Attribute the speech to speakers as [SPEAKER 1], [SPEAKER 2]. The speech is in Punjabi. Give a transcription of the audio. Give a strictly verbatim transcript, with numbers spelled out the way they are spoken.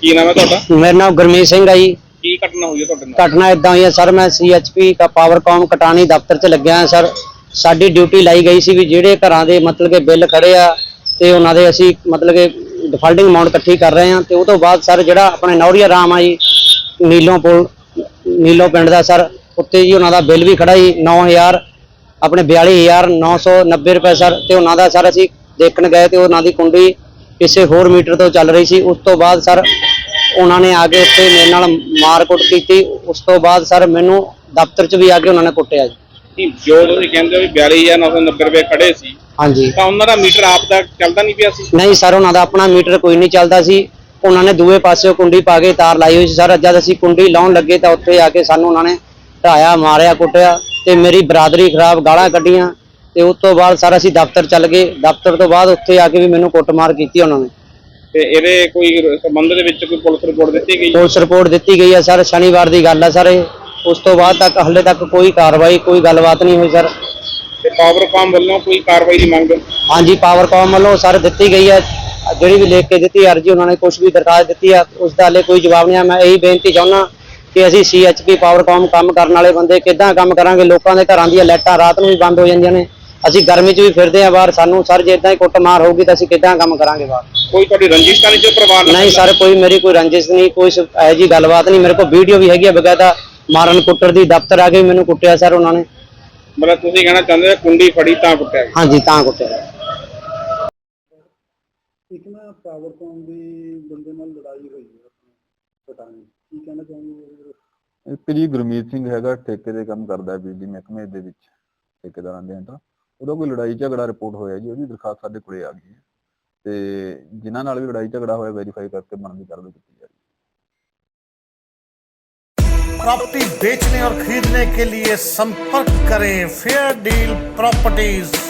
[SPEAKER 1] ਕੀ ਨਾਮ ਹੈ ਤੁਹਾਡਾ?
[SPEAKER 2] मेरा नाम गुरमीत सिंह है जी।
[SPEAKER 1] ਕੀ ਘਟਨਾ ਹੋਈ ਹੈ ਤੁਹਾਡੇ ਨਾਲ?
[SPEAKER 2] घटना इदा हुई है सर, मैं सी एच पी का पावरकॉम कटानी दफ्तर च लग्या है सर। साडी ड्यूटी लाई गई सी भी ਜਿਹੜੇ ਘਰਾਂ ਦੇ ਮਤਲਬ ਕਿ ਬਿੱਲ ਖੜੇ ਆ ਤੇ ਉਹਨਾਂ ਦੇ ਅਸੀਂ ਮਤਲਬ ਕਿ ਡਿਫਾਲਟਿੰਗ ਅਮਾਉਂਟ ਇਕੱਠੀ ਕਰ ਰਹੇ ਹਾਂ ਤੇ ਉਹ ਤੋਂ ਬਾਅਦ ਸਰ ਜਿਹੜਾ ਆਪਣੇ ਨੌਰੀਆ ਰਾਮ ਆ ਜੀ ਨੀਲੋਂ ਪੁਲ ਨੀਲੋਂ ਪਿੰਡ ਦਾ ਸਰ, ਉੱਤੇ ਜੀ ਉਹਨਾਂ ਦਾ ਬਿੱਲ ਵੀ ਖੜਾ ਜੀ ਨੌ ਹਜ਼ਾਰ ਆਪਣੇ ਬਿਆਲੀ ਹਜ਼ਾਰ ਨੌ ਸੌ ਨੱਬੇ ਰੁਪਏ ਸਰ। ਤੇ ਉਹਨਾਂ ਦਾ ਸਰ ਅਸੀਂ ਦੇਖਣ ਗਏ ਤੇ ਉਹਨਾਂ ਦੀ ਕੁੰਡੀ ਕਿਸੇ ਹੋਰ ਮੀਟਰ ਤੋਂ ਚੱਲ ਰਹੀ ਸੀ। ਉਸ ਤੋਂ ਬਾਅਦ ਸਰ ਉਹਨਾਂ ਨੇ ਆ ਕੇ ਉੱਤੇ ਮੇਰੇ ਨਾਲ ਮਾਰਕੁੱਟ ਕੀਤੀ। ਉਸ ਤੋਂ ਬਾਅਦ ਸਰ ਮੈਨੂੰ ਦਫ਼ਤਰ 'ਚ ਵੀ ਆ ਕੇ ਉਹਨਾਂ ਨੇ ਕੁੱਟਿਆ ਜੀ।
[SPEAKER 1] ਜੋ ਤੁਸੀਂ ਕਹਿੰਦੇ ਹੋ ਵੀ ਬਿਆਲੀ ਹਜ਼ਾਰ ਨੌ ਸੌ ਨੱਬੇ ਰੁਪਏ ਖੜੇ ਸੀ,
[SPEAKER 2] ਹਾਂਜੀ,
[SPEAKER 1] ਤਾਂ ਉਹਨਾਂ ਦਾ ਮੀਟਰ ਆਪ ਦਾ ਚੱਲਦਾ ਨਹੀਂ ਪਿਆ ਸੀ?
[SPEAKER 2] ਨਹੀਂ ਸਰ, ਉਹਨਾਂ ਦਾ ਆਪਣਾ ਮੀਟਰ ਕੋਈ ਨਹੀਂ ਚੱਲਦਾ ਸੀ। ਉਹਨਾਂ ਨੇ ਦੂਏ ਪਾਸੇ ਕੁੰਡੀ ਪਾ ਕੇ ਤਾਰ ਲਾਈ ਹੋਈ ਸੀ ਸਰ। ਜਦ ਅਸੀਂ ਕੁੰਡੀ ਲਾਉਣ ਲੱਗੇ ਤਾਂ ਉੱਥੇ ਆ ਕੇ ਸਾਨੂੰ ਉਹਨਾਂ ਨੇ ਢਾਇਆ, ਮਾਰਿਆ, ਕੁੱਟਿਆ ਤੇ ਮੇਰੀ ਬਰਾਦਰੀ ਖਰਾਬ, ਗਾਲਾਂ ਕੱਢੀਆਂ। ਤੇ ਉਸ ਤੋਂ ਬਾਅਦ ਸਰ ਅਸੀਂ ਦਫ਼ਤਰ ਚੱਲ ਗਏ। ਦਫ਼ਤਰ ਤੋਂ ਬਾਅਦ ਉੱਥੇ ਆ ਕੇ ਵੀ ਮੈਨੂੰ ਕੁੱਟਮਾਰ ਕੀਤੀ ਉਹਨਾਂ ਨੇ।
[SPEAKER 1] ਤੇ ਇਹਦੇ ਕੋਈ ਸੰਬੰਧ ਦੇ ਵਿੱਚ ਕੋਈ ਪੁਲਿਸ ਰਿਪੋਰਟ ਦਿੱਤੀ ਗਈ?
[SPEAKER 2] ਪੁਲਿਸ ਰਿਪੋਰਟ ਦਿੱਤੀ ਗਈ ਹੈ ਸਰ, ਸ਼ਨੀਵਾਰ ਦੀ ਗੱਲ ਹੈ ਸਰ ਇਹ। ਉਸ ਤੋਂ ਬਾਅਦ ਤੱਕ ਹਾਲੇ ਤੱਕ ਕੋਈ ਕਾਰਵਾਈ, ਕੋਈ ਗੱਲਬਾਤ ਨਹੀਂ ਹੋਈ ਸਰ।
[SPEAKER 1] ਤੇ ਪਾਵਰਕਾਮ ਵੱਲੋਂ ਕੋਈ ਕਾਰਵਾਈ ਦੀ ਮੰਗ?
[SPEAKER 2] ਹਾਂਜੀ, ਪਾਵਰਕਾਮ ਵੱਲੋਂ ਸਰ ਦਿੱਤੀ ਗਈ ਹੈ, ਜਿਹੜੀ ਵੀ ਲਿਖ ਕੇ ਦਿੱਤੀ ਅਰਜੀ, ਉਹਨਾਂ ਨੇ ਕੁਝ ਵੀ ਦਰਖਾਸਤ ਦਿੱਤੀ ਆ, ਉਸ ਦਾ ਹਾਲੇ ਕੋਈ ਜਵਾਬ ਨਹੀਂ ਆ। ਮੈਂ ਇਹੀ ਬੇਨਤੀ ਚਾਹੁੰਦਾ ਕਿ ਅਸੀਂ ਸੀ ਐਚ ਪੀ ਪਾਵਰਕਾਮ ਕੰਮ ਕਰਨ ਵਾਲੇ ਬੰਦੇ ਕਿੱਦਾਂ ਕੰਮ ਕਰਾਂਗੇ? ਲੋਕਾਂ ਦੇ ਘਰਾਂ ਦੀਆਂ ਲਾਈਟਾਂ ਰਾਤ ਨੂੰ ਵੀ ਬੰਦ ਹੋ ਜਾਂਦੀਆਂ ਨੇ, ਅਸੀਂ ਗਰਮੀ 'ਚ ਵੀ ਫਿਰਦੇ ਆ ਬਾਹਰ। ਸਾਨੂੰ ਸਰ ਜੇ ਇੱਦਾਂ ਹੀ ਕੁੱਟਮਾਰ ਹੋਊਗੀ ਤਾਂ ਅਸੀਂ ਕਿੱਦਾਂ ਕੰਮ ਕਰਾਂਗੇ ਬਾਹਰ?
[SPEAKER 1] ਕੋਈ ਤੁਹਾਡੀ ਰੰਜਿਸ਼ ਤਾਂ ਨਹੀਂ ਤੇ ਪਰਿਵਾਰ ਨਾਲ?
[SPEAKER 2] ਨਹੀਂ ਸਰ, ਕੋਈ ਮੇਰੀ ਕੋਈ ਰੰਜਿਸ਼ ਨਹੀਂ, ਕੋਈ ਇਹੋ ਜਿਹੀ ਗੱਲਬਾਤ ਨਹੀਂ। ਮੇਰੇ ਕੋਲ ਵੀਡੀਓ ਵੀ ਹੈਗੀ ਆ ਬਕਾਇਦਾ ਮਾਰਨ ਕੁੱਟਰ ਦੀ। ਦਫ਼ਤਰ ਆ ਕੇ ਵੀ ਮੈਨੂੰ ਕੁੱਟਿਆ ਸਰ ਉਹਨਾਂ ਨੇ।
[SPEAKER 1] ਮਤਲਬ ਤੁਸੀਂ ਕਹਿਣਾ ਚਾਹੁੰਦੇ ਹੋ ਕੁੰਡੀ ਫੜੀ ਤਾਂ ਕੁੱਟਿਆ ਗਿਆ?
[SPEAKER 2] ਹਾਂਜੀ, ਤਾਂ ਕੁੱਟਿਆ।
[SPEAKER 3] ਇੱਕ ਨਾ ਪਾਵਰਕੌਮ ਦੀ ਬੰਦੇ ਨਾਲ ਲੜਾਈ ਹੋਈ ਹੈ ਪਤਾ ਨਹੀਂ ਕੀ ਕਹਿਣਾ ਚਾਹੁੰਦੇ?
[SPEAKER 4] ਇੱਕ ਜੀ ਗੁਰਮੀਤ ਸਿੰਘ ਹੈਗਾ, ਠੇਕੇ ਦੇ ਕੰਮ ਕਰਦਾ ਹੈ ਬਿਜਲੀ ਮਹਿਕਮੇ ਦੇ ਵਿੱਚ, ਠੇਕੇਦਾਰਾਂ ਦੇ ਤਾਂ ਉਹਦਾ ਕੋਈ ਲੜਾਈ ਝਗੜਾ ਰਿਪੋਰਟ ਹੋਇਆ ਜੀ, ਉਹਦੀ ਦਰਖਾਸਤ ਸਾਡੇ ਕੋਲੇ ਆ ਗਈ ਹੈ ਤੇ ਜਿਨ੍ਹਾਂ ਨਾਲ ਵੀ ਲੜਾਈ ਝਗੜਾ ਹੋਇਆ ਵੈਰੀਫਾਈ ਕਰਕੇ ਬਣਦੀ ਕਾਰਵਾਈ ਕੀਤੀ ਜਾ ਰਹੀ ਹੈ।
[SPEAKER 5] प्रॉपर्टी बेचने और खरीदने के लिए संपर्क करें फेयर डील प्रॉपर्टीज।